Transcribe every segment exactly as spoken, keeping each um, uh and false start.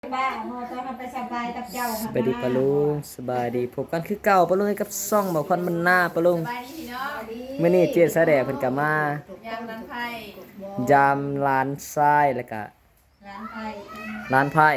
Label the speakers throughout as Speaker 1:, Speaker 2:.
Speaker 1: บ้าเมื่อตอนมันไปสบายกับเจ้า
Speaker 2: สบายดีปะลุงสบายดีพบกันคือเก่าปะลุงกับซ่องบอกควันมันหน้าปะลุง
Speaker 3: สบายดีพี่น้อง
Speaker 2: มื้อนี้เจี๊ยดแสดงเพิ่นก็มาย
Speaker 3: ามนั้นไพ่
Speaker 2: ยามร้านทรายแล้วก็
Speaker 1: ร้านไทย
Speaker 2: ร้านไผ่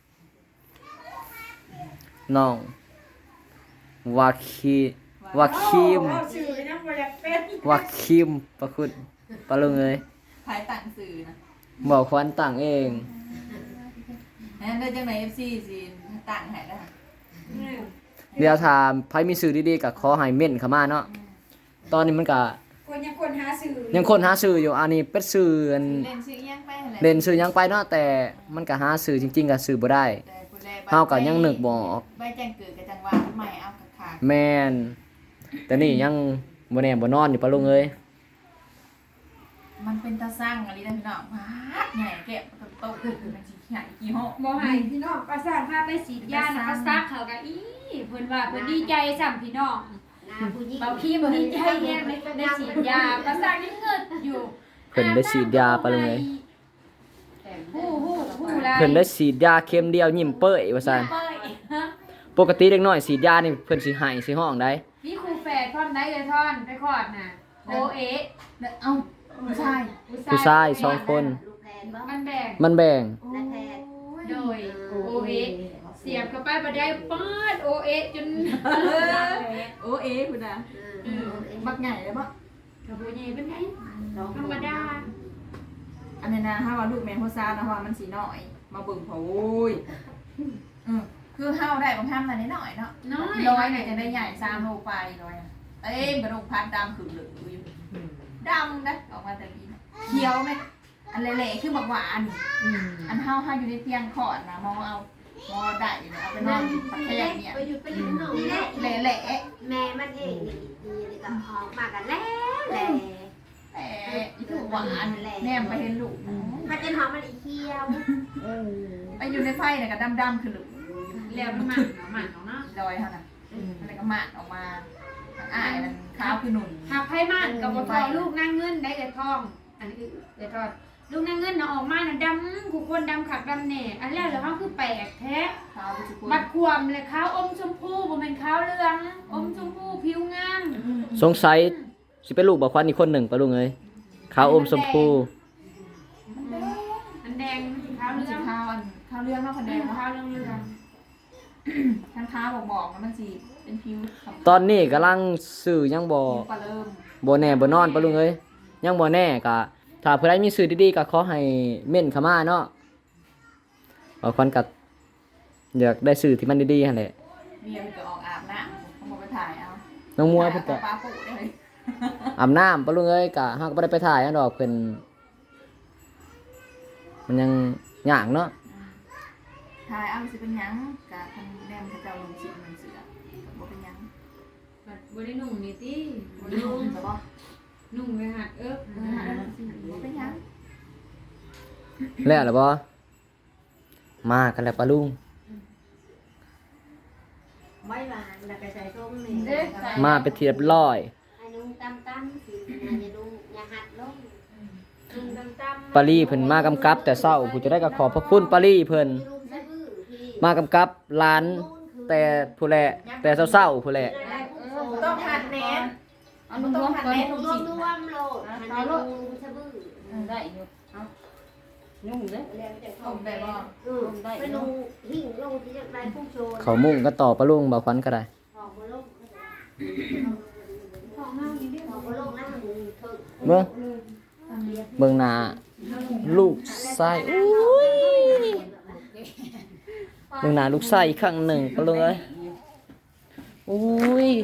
Speaker 2: น้องวาคีวาคิม
Speaker 1: ชื่อยังบ่อยากเป็น
Speaker 2: วาคิมปะคุณปะลุงเอ้ย
Speaker 3: ไพ่ต่างสื่อนะ
Speaker 2: บอกควันต่างเอง
Speaker 3: นั่นได้จังไหนเอฟซีสิต่างหายได้
Speaker 2: เดี๋ยวถามไผมีสื่อดีๆก็ขอให้เม่นเข้ามาเนาะตอนนี้มันก็
Speaker 1: คนยังคนหาสื่อ
Speaker 2: ยังคนหาสื่ออยู่อันนี้เป็นสื่ออัน
Speaker 3: เล่นซื้อยังไปอะไร
Speaker 2: เล่นสื่อยังไปเนาะแต่มันก็หาสื่อจริงๆก็สื่อบ่ได้ เฮาก็ยังนึกบ่ออก
Speaker 3: ใบแจ้งเกิดกับจังหวะทำไมเอากระขาด
Speaker 2: แม่นแต่นี่ยังบ่แน่บ่นอนอยู่ปะลุงเอ้ย
Speaker 3: มันเป็นตาสร้างอะไรนะพี่น้องมาใหญ่แกะโตขึ้นมันสิใหญ่กี่ห้อ
Speaker 4: บ่ให้พี่น้องประสานพาไปฉีดยานะก็ซักเขาก็อีเพิ่นว่าเพิ่นดีใจซ้ำพี่น้องเบาขี้บ่ดีใจแฮงได้ได้ฉีดยาประสานยังเงิดอยู่
Speaker 2: เพิ่นได้ฉีดยาปะลุงเอ้ย
Speaker 4: ฮู้ฮู้ฮู้หลาย
Speaker 2: เพิ่นได้ฉีดยาเข็มเดียวยิ้มเป้ยว่าซั่น
Speaker 4: เป้ยฮะ
Speaker 2: ปกติเด็กน้อยฉีดยานี่เพิ่นสิให้สิห้องได้
Speaker 4: มีครูแฝดพร้อมได้เลยท่อนไปคลอดน่ะโอเอะ
Speaker 3: เอ้าผู้ชาย
Speaker 2: ผู้ชายสองคน
Speaker 4: มันแบ่ง
Speaker 2: มันแบ่ง
Speaker 4: โดยโอเอะเสียบเข้าไปบ่ได้ปาดโอเอะจน
Speaker 3: โอเอ๋คุณนะบักใหญ่เลยบ่
Speaker 4: กระบ่ใหญ่เป็นไงธรรมดา
Speaker 3: อันนี้นะถ้าว่าลูกแม่โฮซานะว่ามันสีน้อย มาเบิ่งเขาโอ้ยอือคือเฮาได้บางท่านมาได้หน่อยเนาะ
Speaker 4: น้อย
Speaker 3: ร้อยเนี่ยจะได้ใหญ่สามโลไปร้อยเอ้ยกระดูกพัดดำขึ้นเหลืองอยู่ดำนะออกมาแต่กี้เขียวไหมอันเละๆคือบักหวานอันเฮาเฮาอยู่ในเตียงขอดนะมองเอามองได้อยู่เอาไปนอนปักแค่เนี่ย
Speaker 5: ไปอยู่ไปอยู่ข้างนอกนี่แหละ
Speaker 3: เละ
Speaker 5: แม่มันเองนี่ดีเลยก็ออกมากันแล้วแหละ
Speaker 3: ๆแต่อีถูกหวานแนมไปเห็นลูก
Speaker 5: มันจะหอมมันอีเคี้ยว
Speaker 3: ไปอยู่ในไฟเนี่ยก็ดำๆขึ้นเหลือง
Speaker 4: แล้วน้ำมันน้ำมันเนาะ
Speaker 3: ลอยเท่านั้นอะไรก็มาออกมาอ่ายมันขาวคือหนุน
Speaker 4: หากไพ่มันกับบ่ทอลูกนั่งเงินได้เกิดทอง อันนี้คือเกิดทอดลูกนั่งเงินน่ะออกมาน่ะดำกูคนดำขักดำแหน่อันแรกเลยเขาคือแปลกแท้
Speaker 3: ขาวไปทุกคน
Speaker 4: บัดความเลยขาวอมชมพูบ่แม่นขาวเหลืองอมชมพูผิวงาม
Speaker 2: สงสัยสิเป็นลูกบ่ควันอีกคนหนึ่งปะลุงเอ้ยขาวอมชมพู
Speaker 4: อันแดงมันสิขาว
Speaker 3: มัน
Speaker 4: เหลื
Speaker 3: สี
Speaker 4: อง
Speaker 3: ขาวอันขาวเรื่องเนาะคะแน
Speaker 4: แด
Speaker 3: น
Speaker 4: ง
Speaker 3: เนาะ
Speaker 4: ขาวเหลืองเหลือง
Speaker 3: ทั้งขาวบอกบอกๆแล้วมันสีเป็นผิว
Speaker 2: ตอนนี้กำลังสื่อยังบ่
Speaker 3: ผิวปลาเริ่ม
Speaker 2: บ่แน่บ่นอนปะลุงเอ้ยยังบ่แน่ก็ถ้าผู้ใดมีสื่อดีๆก็ขอให้เม่นเข้ามาเนาะบ่ควันก็อยากได้สื่อที่มันดีๆหั่นแหละ
Speaker 3: เมียมันก็ออกอาบน้ำเขาบอกไปถ่ายเอา
Speaker 2: น้องมัวเพิ่นก็
Speaker 3: ปลาปูได้เลย
Speaker 2: อาบน้ำปะลุงเอ้ยก็เฮาก็บ่ได้ไปถ่ายอันดอกเพิ่นมันยังยากเนาะ
Speaker 3: ถ่ายเอาสิเป็นหยังกะทางแนมเขาเจ้าลงชิมมันเสือบอกเป็นหยัง
Speaker 4: บัดบ่ได้นุ่งนี่ติ
Speaker 3: บ่ได้ลงจะบอก
Speaker 4: นุ่งไปหัดเอิบ
Speaker 3: เออหาแล้วสิบอกเป็นหยัง
Speaker 2: แล้วล่ะบ่มากันแล้วปะลุง
Speaker 5: ไม่หวานแล้วก็ใส่ส้มนี่
Speaker 3: เอ๊ะใส่
Speaker 2: มาเป็นที่เรียบร้อย
Speaker 5: ให้นุ่งตำตำสิอย่านุ่งอย่าหัดลงนุ่งตำตำ
Speaker 2: ปารีเพิ่นมากำกับ แต่เช้าผู้จะได้ก็ขอบพระคุณปารีเพิ่น
Speaker 5: ลูกสะอื้อพี่
Speaker 2: มากำกับร้านแต่ผู้แลแต่เช้าๆผู้แล
Speaker 3: ต้องหัดแนน
Speaker 4: เอานุ่งรวมก่อน
Speaker 5: นุ่งรวมรวมโลดให้นุ่งสะบื้อ
Speaker 4: ได้อยู่เอานุ่งเด้อ
Speaker 5: แล้วจะ
Speaker 3: ผมได้บ่
Speaker 5: เออไปนุ่งหิ่งลงที่จะได้พุ่งโชน
Speaker 2: เขามุ่งก็ต่อปะลุงบ่ควันก็ได้
Speaker 5: หอมบ่ลง
Speaker 4: ของเฮานี่เด้อ
Speaker 5: หอมบ่ลงนะมึงเถิด
Speaker 2: เบิ่งเบิ่งหน้าลูกชายอุ้ยเบิ่งหน้าลูกชายอีกครั้งหนึ่งปะลุงเอ้ยอุ้ย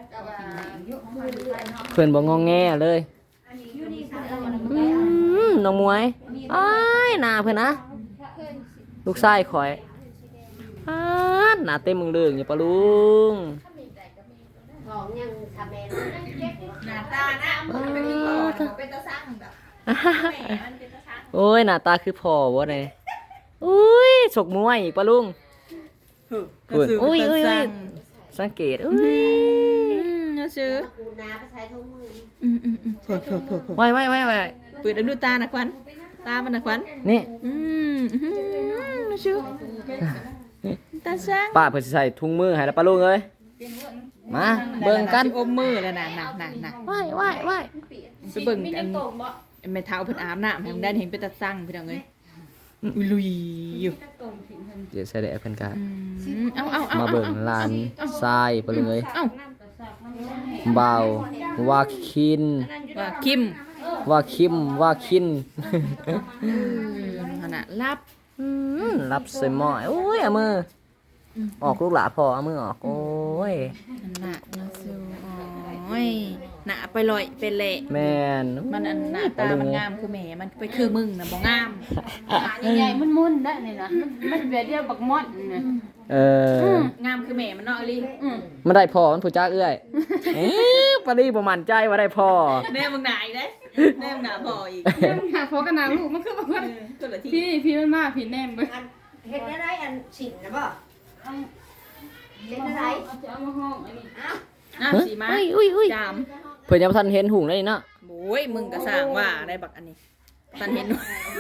Speaker 2: เพิ่นบ่งอแงเลยอืมน้องมวยอ้ายหน้าเพิ่นนะลูกชายข่อยอ้าดหน้าเต็มมึงเรื่องอยู่ปะลุง
Speaker 5: หอมยังทำแม่
Speaker 3: หน้าตานะมันเป็นที่ก่อนเป็นตาสร้างแบบแหมมันเป็นตาสร้าง
Speaker 2: โอ้ยหน้าตาคือพ่อบ่ได้อุ้ยฉกมวยอีกปะลุงอุ้ยอุ้ยอุ้ยอุ้ยสังเกตอุ้ย
Speaker 1: นะชื่อ
Speaker 5: กูนาไปใช้ทุ่งมือ
Speaker 1: อืมอืมอืม
Speaker 2: ไว้ไว้ไว้ไว้
Speaker 1: เปิดดูตานะควัน
Speaker 2: อ
Speaker 3: ตามันน่ะขวัญ
Speaker 2: นี่
Speaker 3: อืมอื้อหือชื่อตาช่าง
Speaker 2: ป้าเพิ่นสิใส่ถุงมือให้แล้วปะลุงเอ้ยมาเบิ่งกัน
Speaker 3: อมมือแล้วน่ะน่ะน่ะน่ะ
Speaker 2: ว้ายว้ายว้าย
Speaker 3: ไปเบิ่งอันแม่เฒ่าเพิ่นอาบน้ำให้มันได้เห็นเป็นตาสั่งพี่น้องเอ้ยอุ้ยลุยอยู่
Speaker 2: เดี๋ยวใส่ได้เพิ่นก็
Speaker 3: อืมเอาเอาเอา
Speaker 2: มา
Speaker 3: เอา
Speaker 2: เบิ่งลานทรายปะลุงเอ้ย
Speaker 3: เอา
Speaker 2: เบาว่าคิน
Speaker 3: ว่าคิม
Speaker 2: ว่าคิมว่าคิน
Speaker 3: ขนาดรับ
Speaker 2: อืมรับใส่หม้อโอ้ยเอามือออกลูกหลาพอเอามือออกโอ้ย
Speaker 3: หนานะซูโอ้ยหนาไปลอยเป็นเละ
Speaker 2: แม่น
Speaker 3: มันอันหน้าตามันงามคือแหมมันไปคือมึงนะบ่งาม
Speaker 4: ใหญ่ๆมุ่นๆได้นี่นะมันมันแบบเดียวบักมอดนะ
Speaker 2: เออ
Speaker 3: งามคือแหมมันเนาะอลิ
Speaker 4: อืม
Speaker 2: มันได้พอมันผู้จ้าเอื้อยเอ๊ะปารีบ่มั่นใจว่าได้พอ
Speaker 3: แน่มึงหนาอีกเด้แน่มึงหนาพออีก
Speaker 4: หาพอกันนาลูกมันคือบ่ว่า
Speaker 3: ตัวละที
Speaker 4: พี่พี่มันมาพี่แนมเบิ่ง
Speaker 5: อันเฮ็ดได้อันฉินนะบ่เฮ็ดได้
Speaker 4: จะเอามาห้องอันนี้
Speaker 3: อ่ะสีมา
Speaker 2: อุ้ยอุ้ยอุ้ย
Speaker 3: จาม
Speaker 2: เพิ่นยังบ่ทันเห็นหุงเลยเนาะ
Speaker 3: โอ้ยมึงก็สร้างว่าได้บักอันนี้ตันเห็น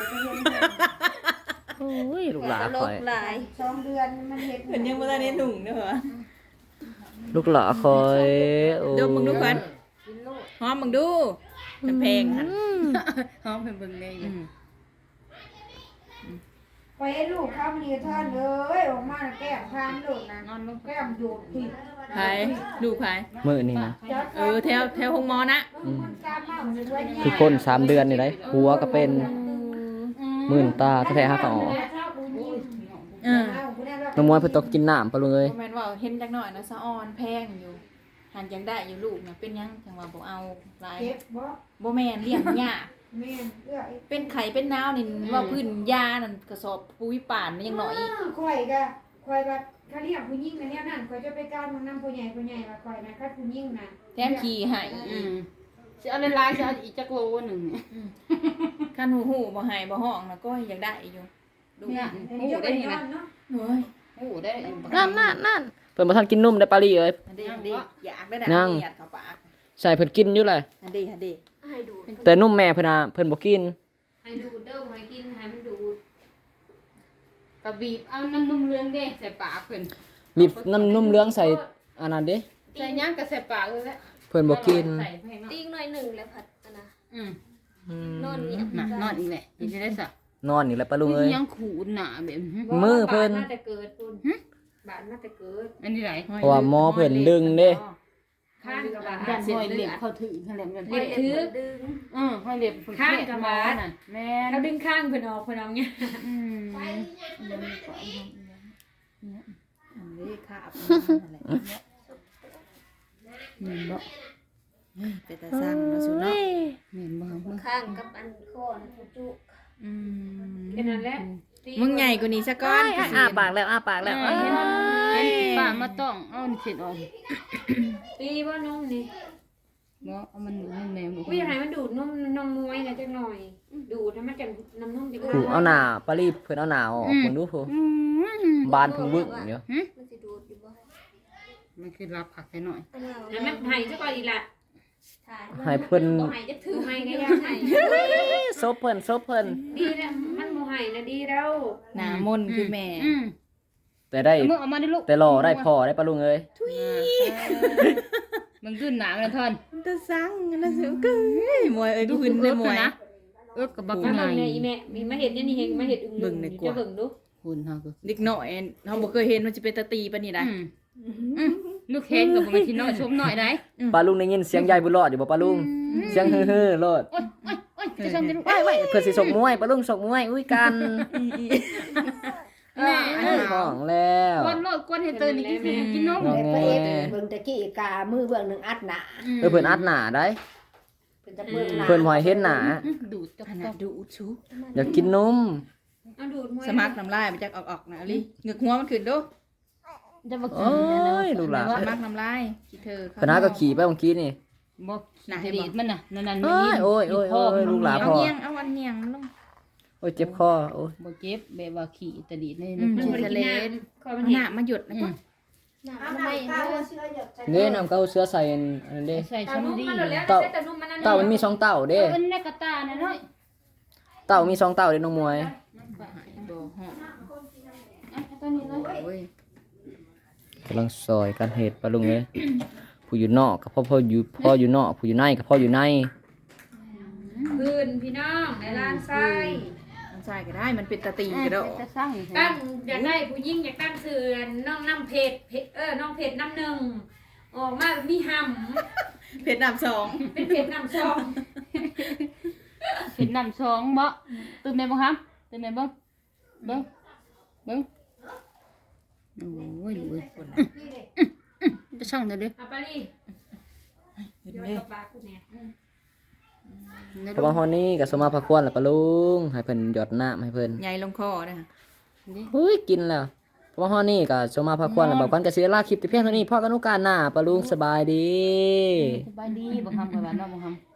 Speaker 2: โอ้ยลูกหลาคอย
Speaker 5: สองเดือนมันเฮ็ด
Speaker 3: เห็นยังบ่ทันเห็นหนุ่งเด้อเหรอ
Speaker 2: ลูกหลาคอยโอ้
Speaker 3: ดูมึงดูก่อนหอมมึงดูมันแพงหั่น
Speaker 4: ห้องเพิ่นเบิ่งได้
Speaker 3: อืม
Speaker 1: ไปให้ลูกข้าวมีท่อนเลยออกมาแก้มพามโดดนะนอนลงแก้มโดดผิด
Speaker 3: ไผดูไผ
Speaker 2: มื้อนี้นะ
Speaker 3: เออแถวแถวห้องหมอนะ
Speaker 2: อืม
Speaker 1: กล้ามากเลยว่าเนี่ย
Speaker 2: คือคนสามเดือนนี่ได้หัวก็เป็นมื่นตาแท้ๆหาก็ออก
Speaker 3: เออ
Speaker 2: น้ำมวยเพิ่นต้องกินน้ำปะลุงเอ้ย
Speaker 3: บ่แม่นว่าเห็นจักหน่อยนะสะออนแพงอยู่หันยังได้อยู่ลูกน่ะเป็นหยังจังว่าบ่เอาหลาย
Speaker 1: เจ็บบ่
Speaker 3: บ่แม่นเลี้ยงยาก
Speaker 1: แม่นเอื้อย
Speaker 3: เป็นไข้เป็นนาวนี่ว่าพื้นยานั่นกระสอบปุ๋ยป่านมันยังน้อยอีก
Speaker 1: ข่อยก็ข่อยแบบเขาเรียกผู้หญิงนะเนี่ยนั่นข่อยจะไปก้าวมันนำผู้ใหญ่ผู้ใหญ่ว่าข่อยนะคัดผู้หญิงนะ
Speaker 3: แถมขี้ให้
Speaker 4: อืมสิเอาหลายๆสิเอาอีกจักโลนึงเนี่ย
Speaker 3: คันหูหูบ่ให้บ่ห้องน่ะก็ยังได้อยู่ดู
Speaker 4: เนี่ย
Speaker 1: เดี๋ยว
Speaker 4: โอ้
Speaker 1: จะไป
Speaker 4: ได้นี่
Speaker 1: นอ
Speaker 4: นะ
Speaker 1: นเนาะ
Speaker 3: โอ้ย
Speaker 4: โอ้ได้
Speaker 2: นั่นนั่นนั่นเพิ่นบ่ทันกินนมได้ปารีเอ้ย
Speaker 3: อันนี้อันนี้อยากได้ดั
Speaker 2: ยัง
Speaker 3: อยากเข้าปาก
Speaker 2: ใส่เพิ่นกินอยู่เลย
Speaker 3: อันนี้อันนี้
Speaker 5: ให้ดู
Speaker 2: แต่นมแม่เพิ่นน่ะเพิ่นบ่กิน
Speaker 4: ให้ดูดเด้อให้กินให้มันดูดกระบีบเอาน้ำนุ่มเรืองเด้ใส่ปากเพิ่น
Speaker 2: บีบน้ำนมเหลืองใส่อันนั้นเด้
Speaker 4: ใส่หยังก็ใส่ปากเลยแหละ
Speaker 2: เพิ่นบ่กิน
Speaker 4: ใส่ให้เนาะ
Speaker 5: ตีหน่อยหนึ่งแล้วผัดอันนะ
Speaker 4: อืม
Speaker 2: อืม
Speaker 5: นอนเนี่ย
Speaker 4: น่ะนอนอีกแหละนี่จะได้สะ
Speaker 2: นอนนี่แหละปะลุงเอ้ย
Speaker 4: ยังขูดหนาแบบนี้
Speaker 2: มือเพิ่น
Speaker 1: บาดน่าจะเกิดคุณบาดน่าจะเกิด
Speaker 4: อันนี้ไหน
Speaker 2: เพราะว่าหมอเพิ่นดึงเด้
Speaker 1: ข้างกับบาด
Speaker 4: ยันห้อยเล็บเข้าถือนั่นแหละมัน
Speaker 1: เล็บถือ
Speaker 5: ดึง
Speaker 4: อือห้อยเล็บ
Speaker 1: ข้างกับบาด
Speaker 4: น่ะแม่
Speaker 1: เขาดึงข้างเพิ่นออกเพิ่นเอาเนี่ย
Speaker 4: อืม
Speaker 3: อันนี้ค่ะนั่นแหละ
Speaker 4: เหมือนบ่
Speaker 3: เฮ้ยเป็นตาสั่งเนาะสุเนาะ
Speaker 4: เหมือนบ่มึง
Speaker 5: ข้างกับอันโคนจุ
Speaker 3: อืม
Speaker 1: แค่นั้นแหละ
Speaker 3: มึงใหญ่กว่านี้ซะก่อน
Speaker 2: อ้ายอ้าปากแล้วอ้าปากแล้ว
Speaker 4: เห็นเห็นป้ามาต้องเอานี่เสร็จออก
Speaker 1: ตีบ่นมนี่
Speaker 4: บ่เอามันมันแมวบ่
Speaker 1: กูอยากให้มันดูดนมนมมวยนะจักหน่อย ดูดให้มันจังน้ำนมจัง
Speaker 2: ผูเอาหน้าปารีเพิ่นเอาหน้าออกเพิ่นดูผู้
Speaker 4: อืม
Speaker 2: บานเพิ่งวึกอยู่
Speaker 5: มันสิดูดอยู่บ่
Speaker 4: มันคือรับผักให้หน่อย
Speaker 5: อันเรา
Speaker 1: แล้วมันให้ซะก่อนอีละ
Speaker 5: ถ่าย
Speaker 2: ให้เพิ่น
Speaker 1: บ่ให้จะถือให้ก็อยากให้
Speaker 2: ซบเพิ่นซบเพิ่น
Speaker 1: ดีแล้วมันบ่ให้นะดีแล้ว
Speaker 3: หน้ามนต์คือแม่
Speaker 4: อืม
Speaker 2: แต่ได้
Speaker 4: เอามือเอามาดิลูก
Speaker 2: แต่รอได้พอได้ปะลุงเอ้ย
Speaker 4: มันขึ้นหนามันท่อน
Speaker 3: ตาสั่งนะสุกึ้ยมวยเอ้ยดูขึ้นเลยมวย
Speaker 4: นะเอิบกับบัก
Speaker 1: มา
Speaker 4: ใหญ่
Speaker 1: เบิ่งเนี่ยอีแม่มีมาเห็ดเนี่ยนี่เห็นมาเห็ดอึ่ง
Speaker 3: เบิ่งในกว่า
Speaker 1: จะเบิ่งดู
Speaker 4: คุณเฮาก็
Speaker 3: เด็กน้อยเฮาบ่เคยเห็นมันจะเป็นตาตีปานนี้ได้
Speaker 4: อืมลูกเห็นกับบ่แม่นที่น้อยชมน้อยได้
Speaker 2: ปาลุงได้ยินเสียงยายบุญรอดอยู่บ่ปาลุงเสียงฮือๆรอด
Speaker 4: โอ๊ยโอ๊ยโอ๊ยจะชมจะลูก
Speaker 2: ไว้ไว้เพิ่นสิส่งมวยปาลุงส่งมวยอุ้ยกัน
Speaker 4: แม่
Speaker 2: ห้องแล้ว
Speaker 4: กวนโลดกวนให้ตื่นนี่กินสิกินนม
Speaker 2: งอแง
Speaker 5: เบิ่งตะกี้กามือเบิ่งหนึ่งอัดหนา
Speaker 2: เออเพิ่นอัดหน้าได้
Speaker 5: เป็นตะเบิ่งหนา
Speaker 2: เพิ่นบ่ให้เห็นหน้า
Speaker 4: ดูดจัก
Speaker 3: ขนาดดูชู
Speaker 2: อยากกินนม
Speaker 1: เอาดูดมวย
Speaker 3: สมักน้ำลายมันจักออกๆนะอลิเหงือกหัวมันขึ้นดู
Speaker 4: จะมากิ
Speaker 2: โอ้
Speaker 4: น
Speaker 2: ยลูกหลาน
Speaker 3: สมักน้ำลายขี้เธอ
Speaker 2: คณะก็ขี่ไปเมื่อกี้นี่
Speaker 4: บ่หนาดีดมันน่ะนั่นๆ
Speaker 2: โอ้ยโอ้ยโอ้ยโอ้ยลูกหลาน
Speaker 3: เอาเนียงเอาอันเนียงลง
Speaker 2: โอ้ยเจ็บคอโอ้ย
Speaker 4: บ่เจ็บแบบว่าขี่ตะดีดใน
Speaker 3: อืม
Speaker 1: มันบ่ได้กินน้ำคอยมันเห็
Speaker 3: หน้าน มาหยุดนะจ๊ะ
Speaker 5: หนาทำไมเนื้อเชื่อหยดใจ
Speaker 2: เด้น้ำเก้าเสื้อใส่อันนั้นเด้
Speaker 4: ใส่
Speaker 1: ตา
Speaker 4: ชั้น
Speaker 1: นุ่ม
Speaker 4: ดี
Speaker 1: มันหมดแล้ว
Speaker 2: เต่า
Speaker 1: ใส่ตานุ่มมันนั่น
Speaker 2: เต่ามันมีสองเต่า
Speaker 4: เด้
Speaker 2: เด้
Speaker 4: เป็นในกระตาน่ะน้อย
Speaker 2: เต่ามีสองเต่าเด้น้องมวย
Speaker 3: บ่ฮอด
Speaker 4: อ่ะตัวนี้เลย
Speaker 3: โอ้ย
Speaker 2: กำลังซอยกันเฮ็ดปะลุงเอ้ยผู้อยู่นอกกับพ่อพ่ออยู่พ่ออยู่นอกผู้อยู่ในกับพ่ออยู่ใน
Speaker 1: พื้นพี่น้องในร้านไส้
Speaker 3: มันใส่ก็ได้มันเป็นตะตีก็ได้
Speaker 4: จะสร้าง
Speaker 1: ตั้งอยากได้ผู้หญิงอยากตั้งชื่อน้องน้ำเพชรเพชรเออน้องเพชรน้ำหนึ่งออกมามีห
Speaker 3: เพชรน้ำสอง
Speaker 1: ำเป็นเพชรน้ำสอง
Speaker 4: เห็นน้ำสองบ่ตื่นแม่บ่ครับตื่นแม่เบิ่งเบิ่งเบิ่งโอ้ยดูเว้ยจะช่างเด้อเด้อ
Speaker 1: เอาไปดิ
Speaker 3: เห็น
Speaker 1: เดี๋ยว
Speaker 3: ไหม
Speaker 1: ตบปากกูเนี่ย
Speaker 2: เพราะว่าฮอนนี่กับสมาพักควรแหละปะลุงให้เพิ่นหยดน้ำให้เพิ่น
Speaker 3: ใหญ่ลงคอนะ
Speaker 2: เฮ้ยกินแล้วเพราะว่าฮอนนี่กับสมาพักควรแล้วบอกกันกับเสียลาคลิปแต่เพียงเท่านี้พ่อกันโอกาสหน้าปะลุงสบายดี
Speaker 4: สบายดีบ่คำกับว่าเนาะบ่คำ